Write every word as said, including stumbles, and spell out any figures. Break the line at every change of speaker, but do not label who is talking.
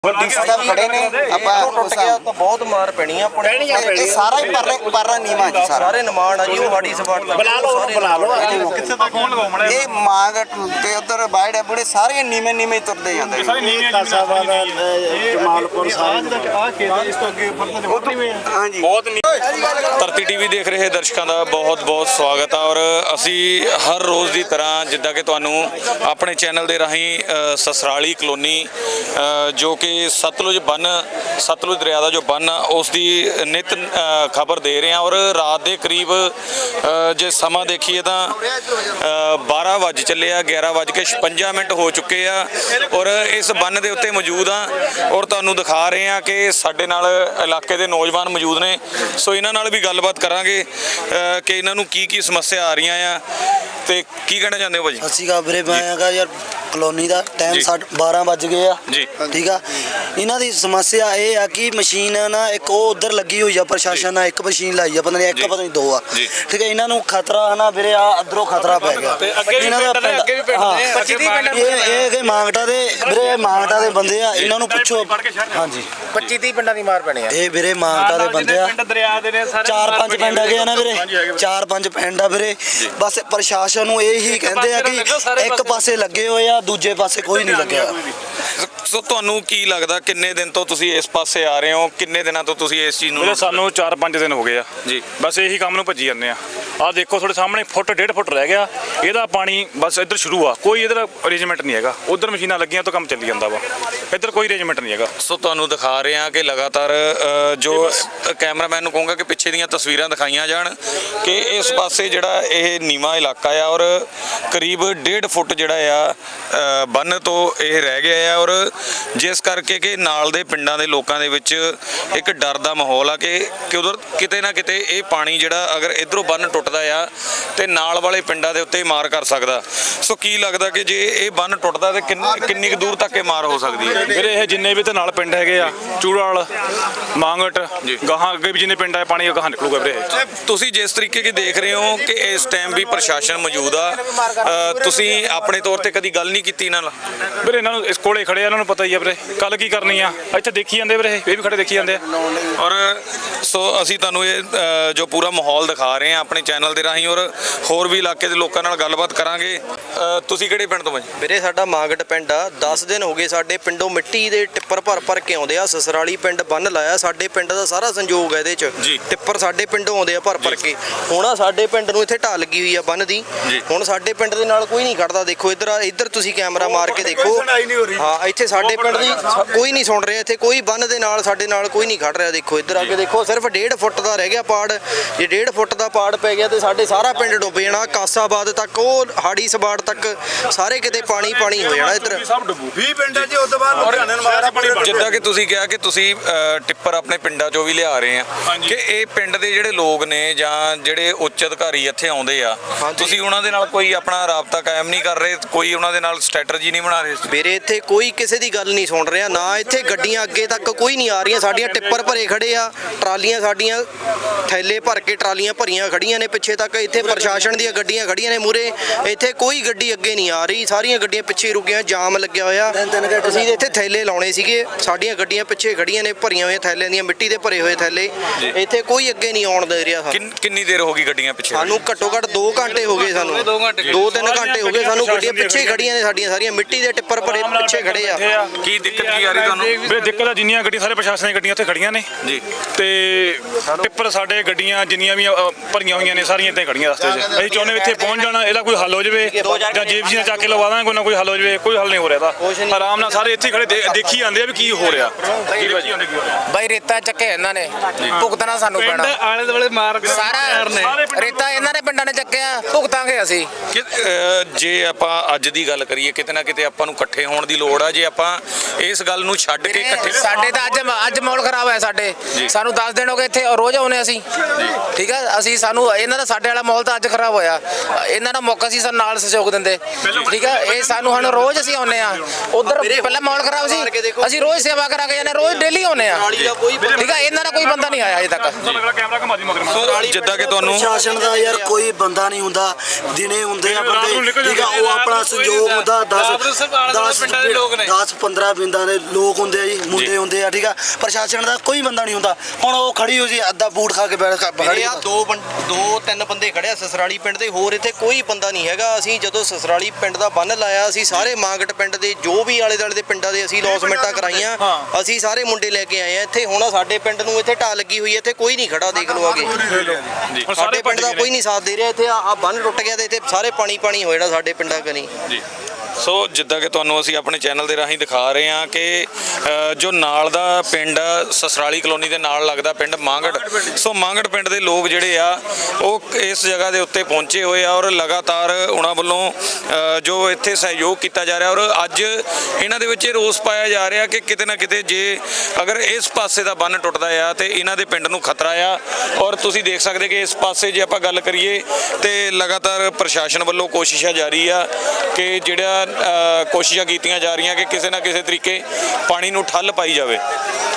खड़े ने
टुट गया तो बहुत मार पैनी अपने
सारा ही पर पर नीवा जी सारा
सारे निमान आ जी वो हाड़ी सपाट
बुला लो बुला लो किथे तक फोन लगाਉਣਾ
ये मांग ते उधर बाड़े बड़े सारे नीवे नीवे तुरदे जांदे
सारे नीवे कासाबाद जमालपुर साहब आ खेत इस तो ਅੱਗੇ ਉੱਪਰ ਤਾਂ ਨਹੀਂ
हां जी
ਬਹੁਤ ਧਰਤੀ ਟੀਵੀ ਦੇਖ ਰਹੇ ਦਰਸ਼ਕਾਂ ਦਾ ਬਹੁਤ ਬਹੁਤ ਸਵਾਗਤ ਹੈ ਔਰ ਅਸੀਂ ਹਰ ਰੋਜ਼ ਦੀ ਤਰ੍ਹਾਂ ਜਿੱਦਾਂ ਕਿ ਤੁਹਾਨੂੰ ਆਪਣੇ ਚੈਨਲ ਦੇ ਰਾਹੀਂ ਸਸਰਾਲੀ ਕਲੋਨੀ ਜੋ ਕਿ ਸਤਲੁਜ ਬੰਨ ਸਤਲੁਜ ਦਰਿਆ ਦਾ ਜੋ ਬੰਨ ਆ ਉਸ ਦੀ ਨਿਤ ਖਬਰ ਦੇ ਰਹੇ ਹਾਂ ਔਰ ਰਾਤ ਦੇ ਕਰੀਬ ਜੇ ਸਮਾਂ ਦੇਖੀਏ ਤਾਂ ਬਾਰਾਂ ਵੱਜ ਚੱਲੇ ਆ ਗਿਆਰਾਂ ਵੱਜ ਕੇ ਛਪੰਜਾ ਮਿੰਟ ਹੋ ਚੁੱਕੇ ਆ ਔਰ ਇਸ ਬੰਨ ਦੇ ਉੱਤੇ ਮੌਜੂਦ ਆ ਔਰ ਤੁਹਾਨੂੰ ਦਿਖਾ ਰਹੇ ਹਾਂ ਕਿ ਸਾਡੇ ਨਾਲ ਇਲਾਕੇ ਦੇ ਨੌਜਵਾਨ ਮੌਜੂਦ ਨੇ ਸੋ ਇਹਨਾਂ ਨਾਲ ਵੀ ਗੱਲਬਾਤ ਕਰਾਂਗੇ ਕਿ ਇਹਨਾਂ ਨੂੰ ਕੀ ਕੀ ਸਮੱਸਿਆ ਆ ਰਹੀਆਂ ਆ ਤੇ ਕੀ ਕਹਿਣਾ ਚਾਹੁੰਦੇ ਹੋ ਭਾਜੀ?
ਅਸੀਂ ਕਾ ਵੀਰੇ ਮੈਂ ਆਗਾ ਯਾਰ ਕਲੋਨੀ ਦਾ ਟਾਈਮ ਬਾਰਾਂ ਵੱਜ ਗਏ ਆ
ਜੀ
ਠੀਕ ਆ ਇਹਨਾਂ ਦੀ ਸਮੱਸਿਆ ਇਹ ਆ ਕਿ ਮਸ਼ੀਨ ਨਾ ਇੱਕ ਉਹ ਉਧਰ ਲੱਗੀ ਹੋਈ ਆ ਪ੍ਰਸ਼ਾਸਨ ਨਾਲ ਇੱਕ ਮਸ਼ੀਨ ਲਾਈ ਆ ਪਤਾ ਨਹੀਂ ਇੱਕ ਪਤਾ ਨਹੀਂ ਦੋ ਆ ਠੀਕ ਹੈ ਇਹਨਾਂ ਨੂੰ ਖਤਰਾ ਹਨਾ ਵੀਰੇ ਆ ਅਧਰੋਂ ਖਤਰਾ ਪੈ ਗਿਆ ਇਹਨਾਂ ਦਾ
ਪੱਚੀ ਤੀਹ ਪਿੰਡ
ਇਹ ਇਹ ਕਿ ਮਾਂਗਟਾ ਦੇ ਵੀਰੇ ਮਾਂਗਟਾ ਦੇ ਬੰਦੇ ਆ ਇਹਨਾਂ ਨੂੰ ਪੁੱਛੋ ਹਾਂਜੀ
ਪੱਚੀ ਤੀਹ ਪਿੰਡਾਂ ਦੀ ਮਾਰ ਪੈਣੀ ਆ
ਇਹ ਵੀਰੇ ਮਾਂਗਟਾ ਦੇ ਬੰਦੇ ਆ
ਪਿੰਡ ਦਰਿਆ ਦੇ ਨੇ ਸਾਰੇ
ਚਾਰ ਪੰਜ ਪਿੰਡ ਹੈਗੇ ਆ ਨਾ ਵੀਰੇ ਚਾਰ ਪੰਜ ਪਿੰਡ ਆ ਵੀਰੇ ਬਸ ਪ੍ਰਸ਼ਾਸਨ ਨੂੰ ਇਹ ਹੀ ਕਹਿੰਦੇ ਆ ਕਿ ਇੱਕ ਪਾਸੇ ਲੱਗੇ ਹੋਏ ਆ ਦੂਜੇ ਪਾਸੇ ਕੋਈ ਨਹੀਂ ਲੱਗਿਆ
ਸੋ ਤੁਹਾਨੂੰ ਕੀ ਲੱਗਦਾ ਕਿੰਨੇ ਦਿਨ ਤੋਂ ਤੁਸੀਂ ਇਸ ਪਾਸੇ ਆ ਰਹੇ ਹੋ ਕਿੰਨੇ ਦਿਨਾਂ ਤੋਂ ਤੁਸੀਂ ਇਸ ਚੀਜ਼ ਨੂੰ
ਵੀਰੇ ਸਾਨੂੰ ਚਾਰ ਪੰਜ ਦਿਨ ਹੋ ਗਏ ਆ
ਜੀ
ਬਸ ਇਹੀ ਕੰਮ ਨੂੰ ਭੱਜੀ ਜਾਂਦੇ ਆ ਆਹ ਦੇਖੋ ਤੁਹਾਡੇ ਸਾਹਮਣੇ ਫੁੱਟ ਡੇਢ ਫੁੱਟ ਰਹਿ ਗਿਆ ਇਹਦਾ ਪਾਣੀ ਬਸ ਇੱਧਰ ਸ਼ੁਰੂ ਆ ਕੋਈ ਇੱਧਰ ਅਰੇਂਜਮੈਂਟ ਨਹੀਂ ਹੈਗਾ ਉਧਰ ਮਸ਼ੀਨਾਂ ਲੱਗੀਆਂ ਤਾਂ ਕੰਮ ਚੱਲੀ ਜਾਂਦਾ ਵਾ ਇੱਧਰ ਕੋਈ ਅਰੇਂਜਮੈਂਟ ਨਹੀਂ ਹੈਗਾ
ਸੋ ਤੁਹਾਨੂੰ ਦਿਖਾ ਰਹੇ ਹਾਂ ਕਿ ਲਗਾਤਾਰ ਜੋ ਕੈਮਰਾਮੈਨ ਨੂੰ ਕਹੂੰਗਾ ਕਿ ਪਿੱਛੇ ਦੀਆਂ ਤਸਵੀਰਾਂ ਦਿਖਾਈਆਂ ਜਾਣ ਕਿ ਇਸ ਪਾਸੇ ਜਿਹੜਾ ਇਹ ਨੀਵਾਂ ਇਲਾਕਾ ਆ ਔਰ ਕਰੀਬ ਡੇਢ ਫੁੱਟ ਜਿਹੜਾ ਆ ਬੰਨ ਤੋਂ ਇਹ ਰਹਿ ਗਿਆ ਆ ਔਰ ਜਿਸ ਕਰਕੇ ਕਿ ਨਾਲ ਦੇ ਪਿੰਡਾਂ ਦੇ ਲੋਕਾਂ ਦੇ ਵਿੱਚ ਇੱਕ ਡਰ ਦਾ ਮਾਹੌਲ ਆ ਕਿ ਕਿ ਉਧਰ ਕਿਤੇ ਨਾ ਕਿਤੇ ਇਹ ਪਾਣੀ ਜਿਹੜਾ ਅਗਰ ਇਧਰੋਂ ਬੰਨ ਟੁੱਟਦਾ ਆ ਤੇ ਨਾਲ ਵਾਲੇ ਪਿੰਡਾਂ ਦੇ ਉੱਤੇ ਮਾਰ ਕਰ ਸਕਦਾ ਸੋ ਕੀ ਲੱਗਦਾ ਕਿ ਜੇ ਇਹ ਬੰਨ ਟੁੱਟਦਾ ਤੇ ਕਿੰਨੀ ਕੁ ਦੂਰ ਤੱਕ ਇਹ ਮਾਰ ਹੋ ਸਕਦੀ ਹੈ?
ਵੀਰੇ ਇਹ ਜਿੰਨੇ ਵੀ ਤੇ ਨਾਲ ਪਿੰਡ ਹੈਗੇ ਆ ਚੂੜਾਲ ਮਾਂਗਟ ਗਾਹਾਂ ਅੱਗੇ ਵੀ ਜਿੰਨੇ ਪਿੰਡ ਆ ਪਾਣੀ ਗਾਹਾਂ ਨਿਕਲੂਗਾ ਵੀਰੇ
ਤੁਸੀਂ ਜਿਸ ਤਰੀਕੇ ਕੀ ਦੇਖ ਰਹੇ ਹੋ ਕਿ ਇਸ ਟਾਈਮ ਵੀ ਪ੍ਰਸ਼ਾਸਨ ਮੌਜੂਦ ਆ ਤੁਸੀਂ ਆਪਣੇ ਤੌਰ ਤੇ ਕਦੀ ਗੱਲ ਨਹੀਂ ਕੀਤੀ ਇਹਨਾਂ ਨਾਲ?
ਵੀਰੇ ਇਹਨਾਂ ਨੂੰ ਇਸ ਕੋਲੇ ਖੜੇ ਆ ਇਹਨਾਂ ਨੂੰ ਪਤਾ ਹੀ ਆ ਵੀਰੇ ਕੱਲ ਕੀ ਕਰਨੀ ਆ ਇੱਥੇ ਦੇਖੀ ਜਾਂਦੇ ਵੀਰੇ ਇਹ ਵੀ ਖੜੇ ਦੇਖੀ ਜਾਂਦੇ ਆ
ਔਰ ਸੋ ਅਸੀਂ ਤੁਹਾਨੂੰ ਇਹ ਜੋ ਪੂਰਾ ਮਾਹੌਲ ਦਿਖਾ ਰਹੇ ਹਾਂ ਆਪਣੇ ਚੈਨਲ ਦੇ ਰਾਹੀਂ ਔਰ ਹੋਰ ਵੀ ਇਲਾਕੇ ਦੇ ਲੋਕਾਂ ਨਾਲ ਗੱਲਬਾਤ ਕਰਾਂਗੇ ਤੁਸੀਂ ਕਿਹੜੇ ਪਿੰਡ ਤੋਂ ਭਾਈ?
ਵੀਰੇ ਸਾਡਾ ਮਾਂਗਟ ਪਿੰਡ ਆ ਦਸ ਦਿਨ ਹੋ ਗਏ ਸਾਡੇ ਪਿੰਡੋਂ ਮਿੱਟੀ ਦੇ ਟਿੱਪਰ ਭਰ ਭਰ ਕੇ ਆਉਂਦੇ ਆ ਸਸਰਾਲੀ ਪਿੰਡ ਬੰਨ ਲਾਇਆ ਸਾਡੇ ਪਿੰਡ ਦਾ ਸਾਰਾ ਸੰਯੋਗ ਹੈ ਇਹਦੇ ਚ ਟਿੱਪਰ ਸਾਡੇ ਪਿੰਡੋਂ ਆਉਂਦੇ ਆ ਭਰ ਭਰ ਕੇ ਹੁਣ ਆ ਸਾਡੇ ਪਿੰਡ ਨੂੰ ਇੱਥੇ ਢਾਲ ਲੱਗੀ ਹੋਈ ਆ ਬੰਨ ਦੀ ਹੁਣ ਸਾਡੇ ਪਿੰਡ ਦੇ ਨਾਲ ਕੋਈ ਨਹੀਂ ਖੜਦਾ ਦੇਖੋ ਇੱਧਰ ਇੱਧਰ ਤੁਸੀਂ ਕੈਮਰਾ ਮਾਰ ਕੇ ਦੇਖੋ ਹਾਂ ਇੱਥੇ ਸਾਡੇ ਪਿੰਡ ਦੀ ਕੋਈ ਨਹੀਂ ਸੁਣ ਰਿਹਾ ਇੱਥੇ ਕੋਈ ਬੰਨ ਦੇ ਨਾਲ ਸਾਡੇ ਨਾਲ ਕੋਈ ਨਹੀਂ ਖੜ ਰਿਹਾ ਦੇਖੋ ਇੱਧਰ ਆ ਕੇ ਦੇਖੋ ਸਿਰਫ ਡੇਢ ਫੁੱਟ ਦਾ ਰਹਿ ਗਿਆ ਪਾੜ ਜੇ ਡੇਢ ਫੁੱਟ ਦਾ ਪਾੜ ਪੈ ਗਿਆ ਤੇ ਸਾਡੇ ਸਾਰਾ ਪਿੰਡ ਡੁੱਬ ਜਾਣਾ ਕਾਸਾਬਾਦ ਤੱਕ ਉਹ ਹਾੜੀ ਸਬਾੜ ਤੱਕ ਸਾਰੇ ਕਿਤੇ ਪਾਣੀ ਪਾਣੀ ਹੋ ਜਾਣਾ ਇੱਧਰ
ਵੀਹ ਪਿੰਡਾਂ 'ਚ ਉਸ ਤੋਂ ਬਾਅਦ ਲੁਧਿਆਣੇ ਨੂੰ ਮਾਰਾ ਪਾਣੀ
ਜਿੱਦਾਂ ਕਿ ਤੁਸੀਂ ਕਿਹਾ ਕਿ ਤੁਸੀਂ ਟਿੱਪਰ ਆਪਣੇ ਪਿੰਡਾਂ 'ਚੋਂ ਵੀ ਲਿਆ ਰਹੇ ਆ ਕਿ ਇਹ ਪਿੰਡ ਦੇ ਜਿਹੜੇ ਲੋਕ ਨੇ ਜਾਂ ਜਿਹੜੇ ਉੱਚ ਅਧਿਕਾਰੀ ਇੱਥੇ ਆਉਂਦੇ ਆ ਤੁਸੀਂ ਉਹਨਾਂ ਦੇ ਨਾਲ ਕੋਈ ਆਪਣਾ ਰਾਬਤਾ ਕਾਇਮ ਨਹੀਂ ਕਰ ਰਹੇ ਕੋਈ ਉਹਨਾਂ ਦੇ ਨਾਲ ਸਟ੍ਰੈਟਜੀ ਨਹੀਂ ਬਣਾ ਰਹੇ?
ਮੇਰੇ ਇੱਥੇ ਕੋਈ ਕਿਸੇ ਦੀ ਗੱਲ ਨਹੀਂ ਸੁਣ ਰਿਹਾ ਨਾ ਇੱਥੇ ਗੱਡੀਆਂ ਅੱਗੇ ਤੱਕ ਕੋਈ ਨਹੀਂ ਆ ਰਹੀਆਂ ਸਾਡੀਆਂ ਟਿੱਪਰ ਭਰੇ ਖੜੇ ਆ ਟਰਾਲੀਆਂ ਸਾਡੀਆਂ ਥੈਲੇ ਭਰ ਕੇ ਟਰਾਲੀਆਂ ਭਰੀਆਂ ਖੜੀਆਂ ਨੇ ਪਿੱਛੇ ਤੱਕ ਇੱਥੇ ਪ੍ਰਸ਼ਾਸਨ ਦੀਆਂ ਗੱਡੀਆਂ ਖੜੀਆਂ ਨੇ ਮੂਰੇ ਇੱਥੇ ਕੋਈ ਗੱਡੀ ਅੱਗੇ ਨਹੀਂ ਆ ਰਹੀ ਸਾਰੀਆਂ ਗੱਡੀਆਂ ਪਿੱਛੇ ਰੁਕੀਆਂ ਜਾਮ ਲੱਗਿਆ ਹੋਇਆ ਅਸੀਂ ਇੱਥੇ ਥੈਲੇ ਲਾਉਣੇ ਸੀਗੇ ਸਾਡੀਆਂ ਗੱਡੀਆਂ ਪਿੱਛੇ ਖੜੀਆਂ ਨੇ ਭਰੀਆਂ ਹੋਈਆਂ ਥੈਲਿਆਂ ਦੀਆਂ ਮਿੱਟੀ ਦੇ ਭਰੇ ਹੋਏ ਥੈਲੇ ਇੱਥੇ ਕੋਈ ਅੱਗੇ ਨਹੀਂ ਆਉਣ ਦੇ ਰਿਹਾ
ਕਿੰਨੀ ਦੇਰ ਹੋ ਗਈ ਗੱਡੀਆਂ ਪਿੱਛੇ?
ਸਾਨੂੰ ਘੱਟੋ ਘੱਟ ਦੋ ਘੰਟੇ ਹੋ ਗਏ ਸਾਨੂੰ ਦੋ ਤਿੰਨ ਘੰਟੇ ਹੋ ਗਏ ਸਾਨੂੰ ਗੱਡੀਆਂ ਪਿੱਛੇ ਖੜੀਆਂ ਨੇ ਸਾਡੀਆਂ ਸਾਰੀਆਂ ਮਿੱਟੀ ਦੇ ਟਿੱਪਰ ਭਰੇ ਪਿੱਛੇ ਖੜੇ ਆ
ਕੀ ਦਿੱਕਤ ਕੀ ਆ ਰਹੀ ਤੁਹਾਨੂੰ?
ਵੀਰੇ ਦਿੱਕਤ ਆ ਜਿੰਨੀਆਂ ਗੱਡੀਆਂ ਸਾਰੇ ਪ੍ਰਸ਼ਾਸਨ ਦੀਆਂ ਗੱਡੀਆਂ ਉੱਥੇ ਖੜੀਆਂ ਨੇ ਜੀ ਤੇ ਟਿੱਪਰ ਸਾਡੇ ਗੱਡੀਆਂ ਜਿੰਨੀਆਂ ਵੀ ਭਰੀਆਂ ਹੋਈਆਂ ਨੇ ਸਾਰੀਆਂ ਇੱਥੇ ਖੜੀਆਂ ਰਸਤੇ 'ਚ ਅਸੀਂ ਚਾਹੁੰਦੇ ਇੱਥੇ ਪਹੁੰਚ ਜਾਣਾ ਇਹਦਾ ਕੋਈ ਹੱਲ ਹੋ ਜਾਵੇ ਜਾਂ ਜੀਪੀਸੀ ਨਾਲ ਚੱਕ ਕੇ ਲਵਾ ਦਾਂਗੇ ਕੋਈ ਨਾ ਕੋਈ ਹੱਲ ਹੋ ਜਾਵੇ ਕੋਈ ਹੱਲ ਨਹੀਂ ਹੋ ਰਿਹਾ ਇਹਦਾ ਆਰਾਮ ਨਾਲ ਸਾਰੇ ਇੱਥੇ ਖੜੇ ਦੇਖੀ ਜਾਂਦੇ ਆ ਵੀ ਕੀ ਹੋ ਰਿਹਾ
ਬਾਈ ਰੇਤਾ ਚੱਕੇ ਇਹਨਾਂ ਨੇ ਭੁਗਤਣਾ ਸਾਨੂੰ ਪੈਣਾ
ਆਲੇ ਦੁਆਲੇ ਮਾਰ
ਸਾਰਾ ਰੇਤਾ ਇਹਨਾਂ ਨੇ ਪਿੰਡਾਂ ਨੇ ਚੱਕਿਆ ਭੁਗਤਾਂਗੇ ਅਸੀਂ
ਜੇ ਆਪਾਂ ਅੱਜ ਦੀ ਗੱਲ ਕਰੀਏ ਕਿਤੇ ਨਾ ਕਿਤੇ ਆਪਾਂ ਨੂੰ ਇਕੱਠੇ ਹੋਣ ਦੀ ਲੋੜ ਆ ਜੇ ਆਪਾਂ ਇਸ ਗੱਲ ਨੂੰ ਛੱਡ ਕੇ ਇਕੱਠੇ
ਸਾਡੇ ਤਾਂ ਅੱਜ ਅੱਜ ਮਾਹੌਲ ਖਰਾਬ ਹੋਇਆ ਸਾਡੇ ਸਾਨੂੰ ਦਸ ਦਿਨ ਹੋ ਗਏ ਇੱਥੇ ਰੋਜ਼ ਆਉਨੇ ਅਸੀਂ ਠੀਕ ਆ ਅਸੀਂ ਸਾਨੂੰ ਇਹਨਾਂ ਦਾ ਸਾਡੇ ਵਾਲਾ ਮਾਹੌਲ ਤਾਂ ਅੱਜ ਖਰਾਬ ਹੋਇਆ ਇਹਨਾਂ ਦਾ ਮੌਕਾ ਸੀ ਸਾਨੂੰ ਨਾਲ ਸਹਿਯੋਗ ਦਿੰਦੇ ਠੀਕ ਆ ਇਹ ਸਾਨੂੰ ਹੁਣ ਰੋਜ਼ ਅਸੀਂ ਆਉਨੇ ਆ ਉਧਰ ਪਹਿਲਾਂ ਮਾਹੌਲ ਖਰਾਬ ਸੀ ਅਸੀਂ ਰੋਜ਼ ਸੇਵਾ ਕਰਾ ਕੇ ਜਾਂਦੇ ਰੋਜ਼ ਡੇਲੀ ਆਉਂਦੇ ਆ
ਸਸਰਾਲੀ ਦਾ ਕੋਈ ਬੰਦਾ
ਠੀਕ ਆ ਇਹਨਾਂ ਦਾ ਕੋਈ ਬੰਦਾ ਨਹੀਂ ਆਇਆ ਅਜੇ ਤੱਕ
ਅਗਲਾ ਕੈਮਰਾ ਘੁਮਾ ਦੀ ਮਗਰ
ਸੋ ਜਿੱਦਾਂ ਕਿ ਤੁਹਾਨੂੰ
ਪ੍ਰਸ਼ਾਸਨ ਦਾ ਯਾਰ ਕੋਈ ਬੰਦਾ ਨਹੀਂ ਹੁੰਦਾ, ਦਿਨੇ ਹੁੰਦੇ ਆ
ਰਾਤ ਨੂੰ ਨਿਕਲ
ਬੰਦੇ, ਠੀਕ ਆ, ਉਹ ਆਪਣਾ ਸੰਯੋਗ ਹੁੰਦਾ ਦਸ ਦਸ ਪੰਦਰਾਂ ਪਿੰਡਾਂ ਦੇ ਲੋਕ ਹੁੰਦੇ ਆ ਜੀ, ਮੁੰਡੇ ਹੁੰਦੇ ਆ, ਠੀਕ ਆ, ਪ੍ਰਸ਼ਾਸਨ ਦਾ ਕੋਈ ਬੰਦਾ ਨਹੀਂ ਹੁੰਦਾ। ਹੁਣ ਉਹ ਖੜੀ ਹੋ ਜੀ ਅੱਧਾ ਬੂਟ ਖਾ ਕੇ ਬੈਠ ਖੜੀ
ਆ ਦੋ ਬੰ- ਦੋ ਤਿੰਨ ਬੰਦੇ ਖੜਿਆ ਸਸਰਾਲੀ ਪਿੰਡ ਦੇ, ਹੋਰ ਇੱਥੇ ਕੋਈ ਬੰਦਾ ਨਹੀਂ ਹੈਗਾ। ਅਸੀਂ ਜਦੋਂ ਸਸਰਾਲੀ ਪਿੰਡ ਦਾ ਬੰਨ ਲਾਇਆ, ਅਸੀਂ ਸਾਰੇ ਮਾਂਗਟ ਪਿੰਡ ਦੇ ਜੋ ਵੀ ਆਲੇ ਦੁਆਲੇ ਦੇ ਪਿੰਡਾਂ ਦੇ ਅਸੀਂ ਲੌਸਮੈਂਟਾਂ ਕਰਾਈਆਂ, ਅਸੀਂ ਸਾਰੇ ਮੁੰਡੇ ਲੈ ਕੇ ਆਏ ਆ ਇੱਥੇ। ਹੁਣ ਸਾਡੇ ਪਿੰਡ ਨੂੰ ਇੱਥੇ ਢਾਹ ਲੱਗੀ ਹੋਈ ਹੈ, ਇੱਥੇ ਕੋਈ ਨਹੀਂ ਖੜਾ, ਦੇਖ ਲਓ ਆਗੇ ਸਾਡੇ ਪਿੰਡ ਦਾ ਕੋਈ ਨਹੀਂ ਸਾਥ ਦੇ ਰਿਹਾ। ਇੱਥੇ ਆ ਬੰਨ ਟੁੱਟ ਗਿਆ ਤੇ ਇੱਥੇ ਸਾਰੇ ਪਾਣੀ ਪਾਣੀ ਹੋ ਜਾਣਾ ਸਾਡੇ ਪਿੰਡਾਂ ਕਨੀ।
ਜੀ ਸੋ ਜਿੱਦਾਂ ਕਿ ਤੁਹਾਨੂੰ ਅਸੀਂ ਆਪਣੇ ਚੈਨਲ ਦੇ ਰਾਹੀਂ ਦਿਖਾ ਰਹੇ ਹਾਂ ਕਿ ਅ, ਜੋ ਨਾਲ ਦਾ ਪਿੰਡ ਆ, ਸਸਰਾਲੀ ਕਲੋਨੀ ਦੇ ਨਾਲ ਲੱਗਦਾ ਪਿੰਡ ਮਾਂਗੜ, ਸੋ ਮਾਂਗੜ ਪਿੰਡ ਦੇ ਲੋਕ ਜਿਹੜੇ ਆ ਉਹ ਇਸ ਜਗ੍ਹਾ ਦੇ ਉੱਤੇ ਪਹੁੰਚੇ ਹੋਏ ਆ ਔਰ ਲਗਾਤਾਰ ਉਹਨਾਂ ਵੱਲੋਂ ਅ, ਜੋ ਇੱਥੇ ਸਹਿਯੋਗ ਕੀਤਾ ਜਾ ਰਿਹਾ ਔਰ ਅੱਜ ਇਹਨਾਂ ਦੇ ਵਿੱਚ ਇਹ ਰੋਸ ਪਾਇਆ ਜਾ ਰਿਹਾ ਕਿ ਕਿਤੇ ਨਾ ਕਿਤੇ ਜੇ ਅਗਰ ਇਸ ਪਾਸੇ ਦਾ ਬੰਨ ਟੁੱਟਦਾ ਆ ਤੇ ਇਹਨਾਂ ਦੇ ਪਿੰਡ ਨੂੰ ਖਤਰਾ ਆ। ਔਰ ਤੁਸੀਂ ਦੇਖ ਸਕਦੇ ਕਿ ਇਸ ਪਾਸੇ ਜੇ ਆਪਾਂ ਗੱਲ ਕਰੀਏ ਤੇ ਲਗਾਤਾਰ ਪ੍ਰਸ਼ਾਸਨ ਵੱਲੋਂ ਕੋਸ਼ਿਸ਼ਾਂ ਜਾਰੀ ਆ ਕਿ ਜਿਹੜਾ ਅ, ਕੋਸ਼ਿਸ਼ਾਂ ਕੀਤੀਆਂ ਜਾ ਰਹੀਆਂ ਕਿ ਕਿਸੇ ਨਾ ਕਿਸੇ ਤਰੀਕੇ ਪਾਣੀ ਨੂੰ ਠੱਲ ਪਾਈ ਜਾਵੇ।